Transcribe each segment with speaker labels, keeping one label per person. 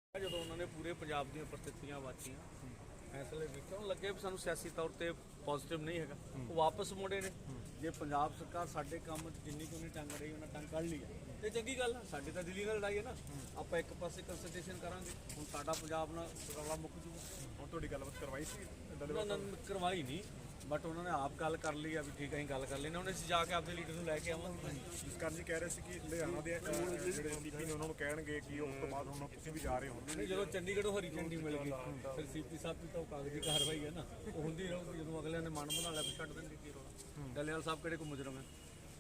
Speaker 1: ਜਦੋਂ ਉਹਨਾਂ ਨੇ ਪੂਰੇ ਪੰਜਾਬ ਦੀਆਂ ਪ੍ਰਸਥਿਤੀਆਂ ਵਾਚੀਆਂ ਫੈਸਲੇ ਵੇਖਣ ਲੱਗੇ ਵੀ ਸਾਨੂੰ ਸਿਆਸੀ ਤੌਰ ਤੇ ਪੋਜ਼ਿਟਿਵ ਨਹੀਂ ਹੈਗਾ, ਉਹ ਵਾਪਸ ਮੁੜੇ ਨੇ। ਜੇ ਪੰਜਾਬ ਸਰਕਾਰ ਸਾਡੇ ਕੰਮ 'ਚ ਜਿੰਨੀ ਕੁ ਨਹੀਂ ਟੰਗ ਰਹੀ ਉਹਨਾਂ ਟੰਗ ਕੱਢ ਲਈ ਹੈ ਤੇ ਚੰਗੀ ਗੱਲ ਆ। ਸਾਡੀ ਤਾਂ ਦਿੱਲੀ ਨਾਲ ਲੜਾਈ ਹੈ ਨਾ, ਆਪਾਂ ਇੱਕ ਪਾਸੇ ਕੰਸਲਟੇਸ਼ਨ ਕਰਾਂਗੇ। ਹੁਣ ਸਾਡਾ ਪੰਜਾਬ ਨਾਲ ਰੌਲਾ ਮੁੱਕ ਜੂਗਾ।
Speaker 2: ਹੁਣ ਤੁਹਾਡੀ ਗੱਲਬਾਤ ਕਰਵਾਈ ਸੀ?
Speaker 1: ਉਹਨਾਂ ਨੇ ਕਰਵਾਈ ਨਹੀਂ, ਬਟ ਉਹਨਾਂ ਨੇ ਆਪ ਗੱਲ ਕਰ ਲਈ ਆ ਵੀ ਠੀਕ ਹੈ ਅਸੀਂ ਗੱਲ ਕਰ ਲੈਣਾ। ਹੁਣ ਅਸੀਂ ਜਾ ਕੇ ਆਪਦੇ ਲੀਡਰ ਨੂੰ ਲੈ ਕੇ ਆਵਾਂਗੇ।
Speaker 2: ਜਸਕਰਨ ਜੀ ਕਹਿ ਰਹੇ ਸੀ ਕਿ ਲੁਧਿਆਣਾ ਦੇ ਜਿਹੜੇ ਸੀਪੀ ਨੇ ਉਹਨਾਂ ਨੂੰ ਕਹਿਣਗੇ ਕਿ ਉਸ ਤੋਂ ਬਾਅਦ ਹੁਣ ਤੁਸੀਂ ਵੀ ਜਾ ਰਹੇ ਹੋ।
Speaker 1: ਨਹੀਂ, ਜਦੋਂ ਚੰਡੀਗੜ੍ਹੋਂ ਹਰੀ ਝੰਡੀ ਮਿਲ ਗਈ ਫਿਰ ਸੀਪੀ ਸਾਹਿਬ ਦੀ ਤਾਂ ਕਾਗਜ਼ੀ ਕਾਰਵਾਈ ਹੈ ਨਾ, ਉਹ ਹੁੰਦੀ ਰਹੂਗੀ। ਜਦੋਂ ਅਗਲਿਆਂ ਨੇ ਮਨ ਬਣਾ ਲਿਆ ਫਿਰ ਛੱਡ ਦੇਣਗੇ। ਕੀ ਰੋਲਾ? ਡੱਲੇਵਾਲ ਸਾਹਿਬ ਕਿਹੜੇ ਕੋ ਮੁਜਰਮ ਹੈ?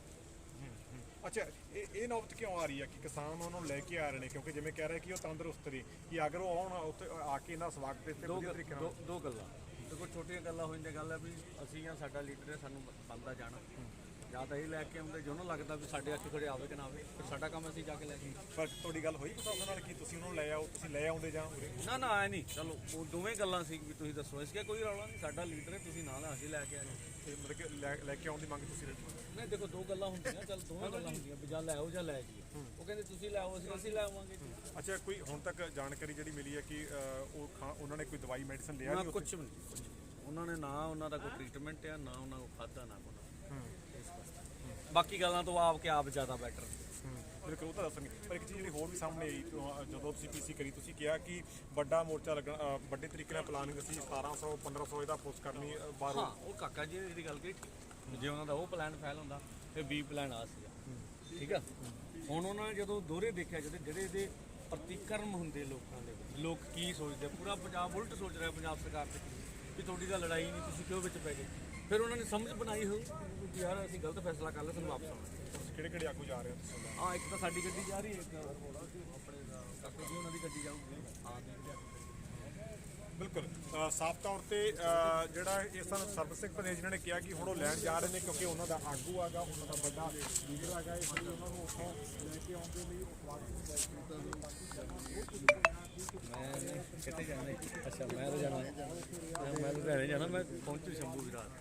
Speaker 2: ਅੱਛਾ, ਇਹ ਨੌਬਤ ਕਿਉਂ ਆ ਰਹੀ ਹੈ ਕਿ ਕਿਸਾਨ ਉਹਨਾਂ ਨੂੰ ਲੈ ਕੇ ਆ ਰਹੇ ਨੇ? ਕਿਉਂਕਿ ਜਿਵੇਂ ਕਹਿ ਰਹੇ ਕਿ ਉਹ ਤੰਦਰੁਸਤ ਨੇ, ਕਿ ਅਗਰ ਉਹ ਆਉਣ ਉੱਥੇ ਆ ਕੇ ਇਹਨਾਂ ਸਵਾਗਤ ਤੇ ਵਧੀਆ ਤਰੀਕੇ ਨਾਲ।
Speaker 1: ਦੋ ਗੱਲਾਂ ਦੇਖੋ, ਛੋਟੀਆਂ ਗੱਲਾਂ ਹੋ ਜਾਂਦੀਆਂ। ਗੱਲ ਹੈ ਵੀ ਅਸੀਂ ਜਾਂ ਸਾਡਾ ਲੀਡਰ ਹੈ, ਸਾਨੂੰ ਬਣਦਾ ਜਾਣਾ। ਜਾਂ ਤਾਂ ਇਹ ਲੈ ਕੇ ਆਉਂਦੇ ਜੋ ਨਾ ਲੱਗਦਾ ਵੀ ਸਾਡੇ ਅੱਗੇ ਖੜੇ ਆਵੇ ਕਿ ਨਾ ਆਵੇ, ਫਿਰ ਸਾਡਾ ਕੰਮ ਅਸੀਂ ਜਾ ਕੇ ਲੈ ਕੇ।
Speaker 2: ਪਰ ਤੁਹਾਡੀ ਗੱਲ ਹੋਈ ਪਤਾ ਉਹਨਾਂ ਨਾਲ ਕਿ ਤੁਸੀਂ ਉਹਨਾਂ ਨੂੰ ਲੈ ਆਓ, ਤੁਸੀਂ ਲੈ ਆਉਂਦੇ ਜਾਂ
Speaker 1: ਨਾ ਨਾ ਆਏ ਨਹੀਂ। ਚਲੋ ਉਹ ਦੋਵੇਂ ਗੱਲਾਂ ਸੀ ਵੀ ਤੁਸੀਂ ਦੱਸੋ। ਇਸ ਕੇ ਕੋਈ ਰੌਲਾ ਨਹੀਂ, ਸਾਡਾ ਲੀਡਰ ਹੈ, ਤੁਸੀਂ ਨਾਲ ਅਸੀਂ ਲੈ ਕੇ ਆਏ।
Speaker 2: ਤੇ ਮਤਲਬ ਕਿ ਲੈ ਕੇ ਆਉਣ ਦੀ ਮੰਗ ਤੁਸੀਂ ਰੱਖੀ?
Speaker 1: ਨਹੀਂ ਦੇਖੋ, ਦੋ ਗੱਲਾਂ ਹੁੰਦੀਆਂ। ਚੱਲ ਦੋਵੇਂ ਗੱਲਾਂ ਹੁੰਦੀਆਂ ਵੀ ਜਾਂ ਲੈ ਆਓ ਜਾਂ ਲੈ ਜਾਈਏ। ਉਹ ਕਹਿੰਦੇ ਤੁਸੀਂ ਲੈ ਆਓ, ਅਸੀਂ ਲੈ ਆਵਾਂਗੇ।
Speaker 2: ਅੱਛਾ, ਕੋਈ ਹੁਣ ਤੱਕ ਜਾਣਕਾਰੀ ਜਿਹੜੀ ਮਿਲੀ ਹੈ ਕਿ ਉਹਨਾਂ ਨੇ ਕੋਈ ਦਵਾਈ ਮੈਡੀਸਨ ਲਿਆ
Speaker 1: ਨਾ ਕੁਛ ਵੀ ਨਹੀਂ। ਉਹਨਾਂ ਨੇ ਨਾ ਉਹਨਾਂ ਦਾ ਕੋਈ ਟ੍ਰੀਟਮੈਂਟ ਆ, ਨਾ ਉਹਨਾਂ ਕੋਲ ਖਾਧਾ, ਨਾ ਕੋਈ। ਬਾਕੀ ਗੱਲਾਂ ਤੋਂ ਆਪ ਜ਼ਿਆਦਾ ਬੈਟਰ।
Speaker 2: ਬਿਲਕੁਲ, ਉਹ ਤਾਂ ਦੱਸਣਗੇ। ਪਰ ਇੱਕ ਚੀਜ਼ ਜਿਹੜੀ ਹੋਰ ਵੀ ਸਾਹਮਣੇ ਆਈ ਜਦੋਂ ਤੁਸੀਂ ਪੀਸੀ ਕਰੀ, ਤੁਸੀਂ ਕਿਹਾ ਕਿ ਵੱਡਾ ਮੋਰਚਾ ਲੱਗਣਾ, ਵੱਡੇ ਤਰੀਕੇ ਨਾਲ ਪਲਾਨਿੰਗ ਅਸੀਂ 1700 1500 ਇਹਦਾ ਪੋਸਟ ਕਰਨੀ ਬਾਹਰੋਂ।
Speaker 1: ਹਾਂ, ਉਹ ਕਾਕਾ ਜੀ ਦੀ ਗੱਲ ਕਹੀ। ਜੇ ਉਹਨਾਂ ਦਾ ਉਹ ਪਲਾਨ ਫੈਲ ਹੁੰਦਾ ਫਿਰ ਬੀ ਪਲਾਨ ਆ ਸੀਗਾ। ਠੀਕ ਆ। ਹੁਣ ਉਹਨਾਂ ਨੇ ਜਦੋਂ ਦੋਹਰੇ ਦੇਖਿਆ, ਜਿਹੜੇ ਇਹਦੇ ਪ੍ਰਤੀਕਰਮ ਹੁੰਦੇ ਲੋਕਾਂ ਦੇ ਵਿੱਚ, ਲੋਕ ਕੀ ਸੋਚਦੇ, ਪੂਰਾ ਪੰਜਾਬ ਉਲਟ ਸੋਚ ਰਿਹਾ ਪੰਜਾਬ ਸਰਕਾਰ ਤੇ ਕਿ ਤੁਹਾਡੀ ਤਾਂ ਲੜਾਈ ਨਹੀਂ, ਤੁਸੀਂ ਕਿਉਂ ਵਿੱਚ ਪੈ ਗਏ। ਫਿਰ ਉਹਨਾਂ ਨੇ ਸਮਝ ਬਣਾਈ ਹੋਊ ਕਿ ਯਾਰ ਅਸੀਂ ਗਲਤ ਫੈਸਲਾ ਕਰ ਲਿਆ, ਸਾਨੂੰ ਵਾਪਸ ਆਉਣਾ।
Speaker 2: ਕਿਹੜੇ ਆਗੂ ਜਾ ਰਹੇ ਹੋ ਤੁਸੀਂ?
Speaker 1: ਹਾਂ, ਇੱਕ ਤਾਂ ਸਾਡੀ ਗੱਡੀ ਜਾ ਰਹੀ ਹੈ, ਇੱਕ ਆਪਣੇ ਕਾਕਾ ਜੀ ਉਹਨਾਂ ਦੀ ਗੱਡੀ ਜਾਊਗੀ। ਹਾਂ,
Speaker 2: ਬਿਲਕੁਲ ਸਾਫ਼ ਤੌਰ ਤੇ ਜਿਹੜਾ ਇਸ ਸਰਬਤ ਸਿੰਘ ਭਨੇਜ ਜਿਨ੍ਹਾਂ ਨੇ ਕਿਹਾ ਕਿ ਹੁਣ ਉਹ ਲੈਣ ਜਾ ਰਹੇ ਨੇ ਕਿਉਂਕਿ ਉਹਨਾਂ ਦਾ ਆਗੂ ਹੈਗਾ, ਉਹਨਾਂ ਦਾ ਵੱਡਾ ਲੀਡਰ ਹੈਗਾ, ਇਸ ਲਈ ਉਹਨਾਂ ਨੂੰ ਉੱਥੋਂ ਲੈ ਕੇ ਆਉਣ ਦੇ ਲਈ
Speaker 1: ਮੈਂ ਕਿੱਥੇ ਜਾਣਾ? ਅੱਛਾ, ਮੈਂ ਤਾਂ ਲੁਧਿਆਣੇ ਜਾਣਾ। ਮੈਂ ਪਹੁੰਚੂ ਸ਼ੰਭੂ ਵਿਰਾਟ।